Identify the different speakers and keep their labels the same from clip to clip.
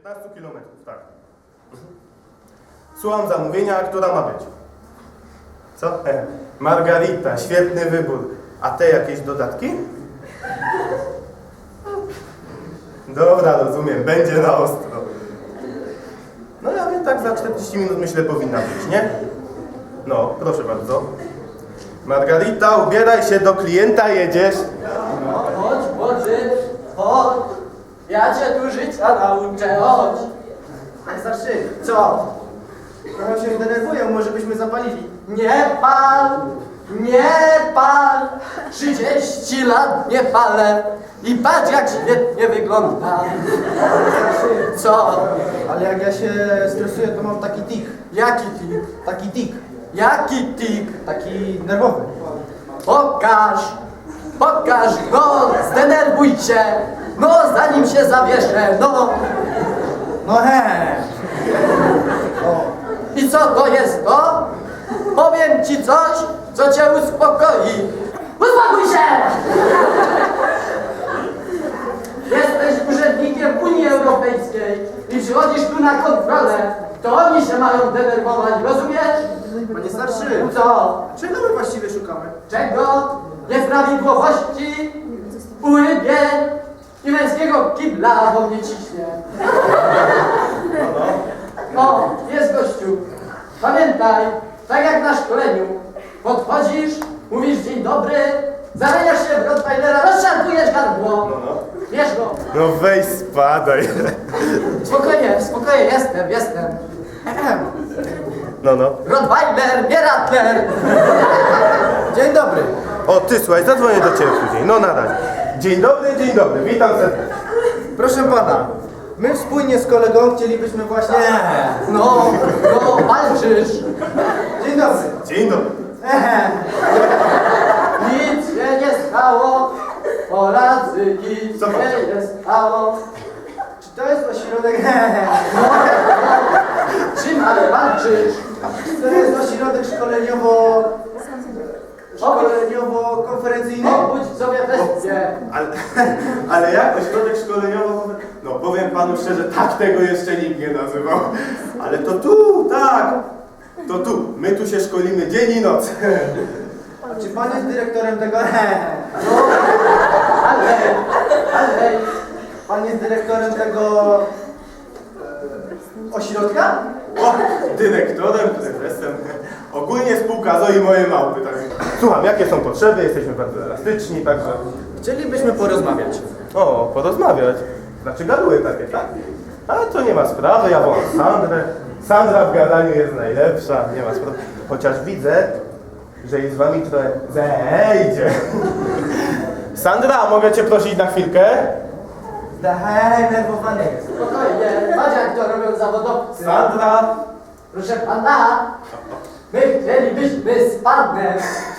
Speaker 1: 15 kilometrów, tak. Słucham zamówienia, która ma być. Co? Margarita, świetny wybór. A te jakieś dodatki? Dobra, rozumiem, będzie na ostro. No ja wiem, tak za 40 minut myślę powinna być, nie? No, proszę bardzo. Margarita, ubieraj się, do klienta jedziesz.
Speaker 2: No, chodź, chodź. Ja cię tu życia nauczę, chodź.
Speaker 3: Panie starszy,
Speaker 2: Co?
Speaker 3: trochę się denerwują, może byśmy zapalili.
Speaker 2: Nie pal. 30 lat nie palę. I patrz, jak świetnie wygląda. Co?
Speaker 3: Ale jak ja się stresuję, to mam taki tik.
Speaker 2: Jaki tik?
Speaker 3: Taki tik.
Speaker 2: Jaki tik?
Speaker 3: Taki nerwowy.
Speaker 2: Pokaż, no, zdenerwuj się. No, zanim się zawieszę, no.
Speaker 3: No O.
Speaker 2: I co to jest to? Powiem ci coś, co cię uspokoi. Uspokój się! Jesteś urzędnikiem Unii Europejskiej i przychodzisz tu na kontrolę. To oni się mają denerwować, rozumiesz?
Speaker 3: Panie starszy,
Speaker 2: Co?
Speaker 3: czego my właściwie szukamy?
Speaker 2: Czego? Nieprawidłowości, urybień i męskiego kibla, bo mnie ciśnie. O, jest gościu. Pamiętaj, tak jak na szkoleniu, podchodzisz, mówisz dzień dobry, zamieniasz się w Rottweilera, rozszarpujesz gardło. Wiesz go.
Speaker 1: No weź spadaj.
Speaker 2: Spokojnie, jestem.
Speaker 1: No.
Speaker 2: Rottweiler, nie Rattler.
Speaker 3: Dzień dobry.
Speaker 1: O, ty słuchaj, zadzwonię do ciebie później. No na razie. Dzień dobry, witam serdecznie.
Speaker 3: Proszę pana, my wspólnie z kolegą chcielibyśmy właśnie...
Speaker 2: No, walczysz.
Speaker 3: Dzień dobry.
Speaker 1: Dzień dobry.
Speaker 2: Nic się nie stało, Polacy, nic
Speaker 1: Co pan?
Speaker 2: się nie stało.
Speaker 3: Czy to jest ośrodek...
Speaker 2: Czym ale walczysz?
Speaker 3: To jest ośrodek szkoleniowo-konferencyjny?
Speaker 2: Obudź sobie bestię.
Speaker 1: Ale jak ośrodek szkoleniowy? No powiem panu szczerze, tak tego jeszcze nikt nie nazywał. Ale to tu, tak. To tu. My tu się szkolimy dzień i noc.
Speaker 3: A czy pan jest dyrektorem tego...
Speaker 2: Ale,
Speaker 3: Pan jest dyrektorem tego... ośrodka?
Speaker 1: O, dyrektorem, prezesem. Ogólnie spółka Zoi moje małpy. Tak. Słucham, jakie są potrzeby? Jesteśmy bardzo elastyczni, także...
Speaker 3: Chcielibyśmy porozmawiać.
Speaker 1: O, porozmawiać. Znaczy gaduły takie, tak? Ale to nie ma sprawy, ja wołam Sandrę. Sandra w gadaniu jest najlepsza, nie ma sprawy. Chociaż widzę, że jest z wami trochę zejdzie. Sandra, mogę cię prosić na chwilkę?
Speaker 3: Zdenerwowany jest.
Speaker 2: spokojnie, patrz jak to robią zawodowcy.
Speaker 1: Sandra!
Speaker 2: Proszę pana, my chcielibyśmy z panem.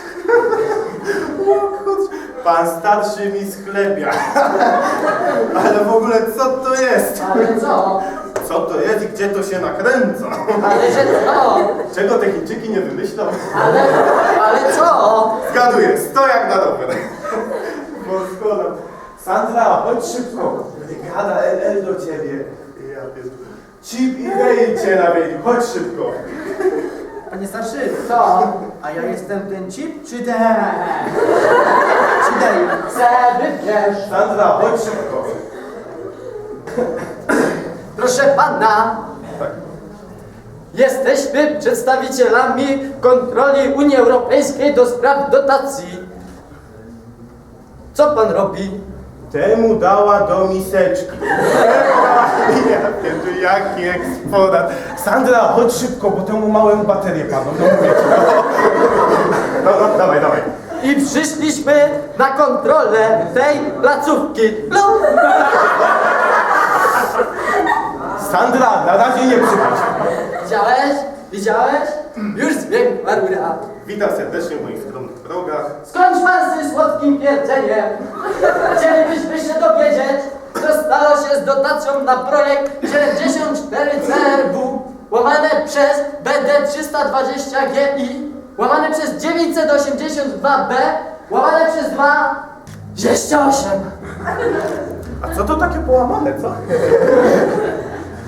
Speaker 1: Pan starszy mi schlebia. Ale w ogóle co to jest?
Speaker 2: Ale co?
Speaker 1: Co to jest i gdzie to się nakręca?
Speaker 2: Ale że co?
Speaker 1: Czego te Chińczyki nie wymyślą?
Speaker 2: Ale co?
Speaker 1: Zgaduję, sto jak na dobre. Bo zgoda. Sandra, chodź szybko. Gada LL do ciebie. Ja pierdolę. Chip i Dale cię nawiedli, chodź szybko.
Speaker 3: Panie starszy,
Speaker 2: Co?
Speaker 3: a ja jestem ten chip czy ten? Czy Dale?
Speaker 2: Se wybierz.
Speaker 1: Sandra, chodź szybko.
Speaker 2: Proszę pana,
Speaker 1: Tak.
Speaker 2: jesteśmy przedstawicielami kontroli Unii Europejskiej do spraw dotacji. Co pan robi?
Speaker 1: Temu dała do miseczki. Ja pierdolę, jaki eksponat. Sandra, chodź szybko, bo temu małemu baterię padną. No mówię ci, no. No, dawaj.
Speaker 2: I przyszliśmy na kontrolę tej placówki. No.
Speaker 1: Sandra, na razie nie przychodź.
Speaker 2: Widziałeś? Już zbiegła rura.
Speaker 1: Witam serdecznie w moich skromnych progach.
Speaker 2: Skończ pan z słodkim pierdzeniem. Chcielibyśmy się dowiedzieć, co stało się z dotacją na projekt 74 CRW łamane przez BD 320 GI łamane przez 982B łamane przez 2 28.
Speaker 1: A co to takie połamane, co?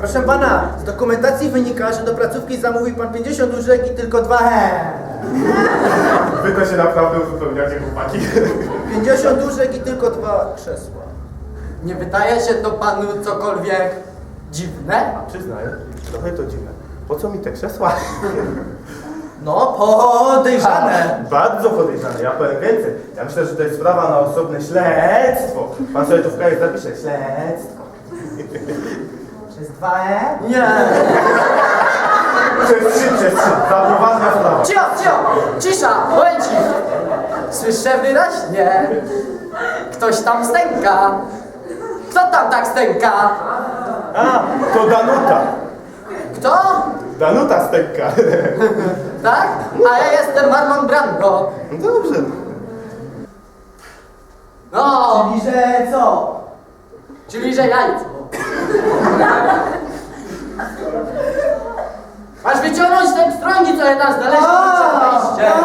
Speaker 3: Proszę pana, z dokumentacji wynika, że do placówki zamówił pan 50 łóżek i tylko 2
Speaker 1: Wy to się naprawdę uzupełniacie, chłopaki.
Speaker 3: 50 łóżek i tylko 2 krzesła.
Speaker 2: Nie wydaje się to panu cokolwiek dziwne?
Speaker 1: Przyznaję, trochę to dziwne. Po co mi te krzesła?
Speaker 3: No, podejrzane.
Speaker 1: Bardzo podejrzane, ja powiem więcej. Ja myślę, że to jest sprawa na osobne śledztwo. Pan sobie tu w kraju zapisze, śledztwo.
Speaker 3: Przez 2
Speaker 2: Nie.
Speaker 1: Przez 3, ta poważna sprawa.
Speaker 2: Cisza, momencik. Słyszę wyraźnie. Ktoś tam stęka. Kto tam tak stęka?
Speaker 1: A, to Danuta.
Speaker 2: Kto?
Speaker 1: Danuta stęka.
Speaker 2: Tak? A ja jestem Marlon Brando.
Speaker 1: No dobrze.
Speaker 2: No,
Speaker 3: Czyli, że co?
Speaker 2: czyli że jajco. Masz wyciągnąć te pstrągi, co je tam znaleźliśmy przed wejściem.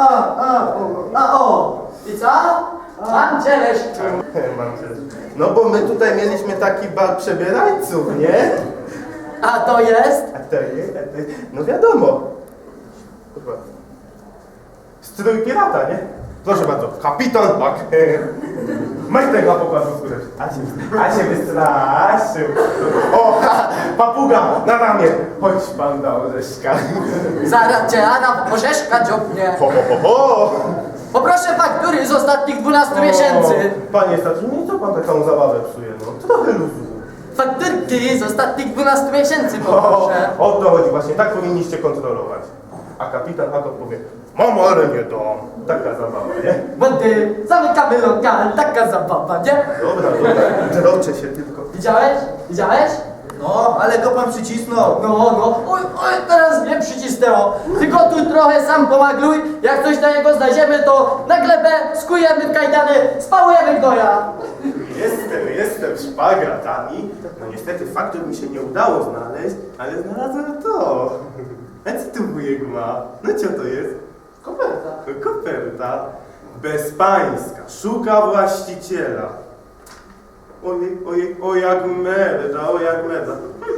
Speaker 3: O!
Speaker 2: I co? Mam cię leszczu.
Speaker 1: Mam też. No bo my tutaj mieliśmy taki bal przebierańców, nie?
Speaker 2: A to jest?
Speaker 1: A to jest, no wiadomo. Chyba. Strój pirata, nie? Proszę bardzo, kapitan Pak. Majtek na pokładu skórę. A się wystraszył. O, papuga na ramię. Chodź pan do orzeszka.
Speaker 2: Zaraz cię Anna Orzeszka dziobnie.
Speaker 1: Ho, ho, ho, ho.
Speaker 2: Poproszę faktury z ostatnich 12 miesięcy.
Speaker 1: Panie Stasiu, co pan taką zabawę psuje, no? Trochę luzu.
Speaker 2: Fakturki z ostatnich 12 miesięcy
Speaker 1: O
Speaker 2: poproszę.
Speaker 1: to chodzi właśnie, tak powinniście kontrolować. A kapitan Hakot powie, mam, ale nie dam. Taka zabawa, nie?
Speaker 2: Wody, zamykamy lokal, taka zabawa, nie?
Speaker 1: Dobra, droczę się tylko.
Speaker 2: Widziałeś? Widziałeś?
Speaker 3: No, ale go pan przycisnął.
Speaker 2: No. Oj, teraz mnie przycisnęło. Tylko tu trochę sam pomagluj. Jak coś na niego znajdziemy, to na glebę skujemy w kajdany, spałujemy gnoja.
Speaker 1: Jestem szpagratami. No niestety faktur mi się nie udało znaleźć, ale znalazłem to. A co tu wujek ma? No co to jest?
Speaker 2: Koperta.
Speaker 1: Koperta. Bezpańska. Szuka właściciela. Ojej, o jak merda, o jak merda.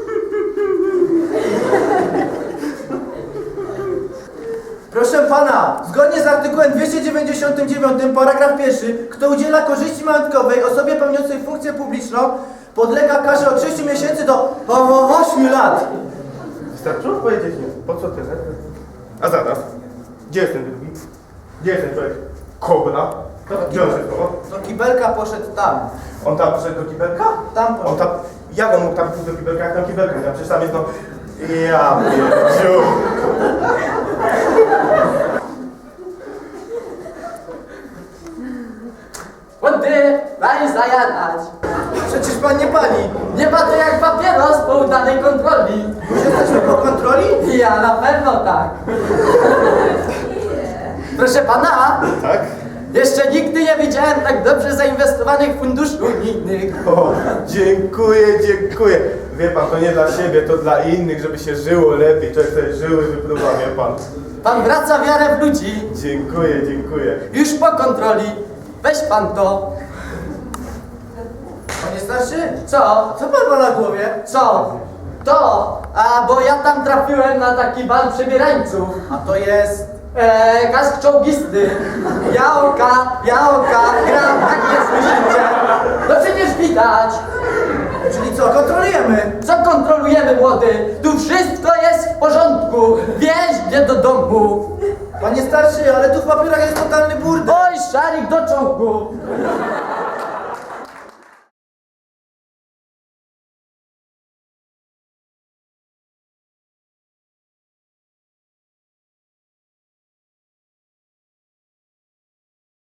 Speaker 3: Proszę pana, zgodnie z artykułem 299 paragraf 1, kto udziela korzyści majątkowej osobie pełniącej funkcję publiczną, podlega karze od 6 miesięcy do 8 lat.
Speaker 1: Wystarczyło powiedzieć nie. Po co tyle? A zaraz. Gdzie jest ten drugi? Gdzie jest ten człowiek? Kobra? Gdzie on się schował?
Speaker 3: Do kibelka poszedł tam.
Speaker 1: On tam poszedł do kibelka?
Speaker 3: Tam
Speaker 1: On
Speaker 3: poszedł.
Speaker 1: tam... Jak on mógł tam pójść do kibelka? Jak tam kibelka nie ma? Przecież tam jest no... Ja pierdziu.
Speaker 2: Wody, daj zajadać.
Speaker 3: Przecież pan nie pali.
Speaker 2: Nie ma to jak papieros po udanej kontroli.
Speaker 3: Już jesteśmy po kontroli?
Speaker 2: Ja na pewno tak. Proszę pana,
Speaker 1: Tak?
Speaker 2: jeszcze nigdy nie widziałem tak dobrze zainwestowanych funduszy unijnych.
Speaker 1: O, dziękuję. Wie pan, to nie dla siebie, to dla innych, żeby się żyło lepiej. Człowiek sobie żyły wypróba, wie pan.
Speaker 2: Pan wraca wiarę w ludzi.
Speaker 1: Dziękuję.
Speaker 2: Już po kontroli. Weź pan to.
Speaker 3: Panie starszy?
Speaker 2: Co?
Speaker 3: Co pan ma na głowie?
Speaker 2: Co? To. A bo ja tam trafiłem na taki bal przebierańców.
Speaker 3: A to jest...
Speaker 2: Kask czołgisty. Jałka, gram, tak nie słyszycie. No przecież widać.
Speaker 3: Czyli co, kontrolujemy?
Speaker 2: Co kontrolujemy, młody? Tu wszystko jest w porządku. Wieź mnie do domu.
Speaker 3: Panie starszy, ale tu w papierach jest totalny burdel.
Speaker 2: Oj, szarik do czołgu.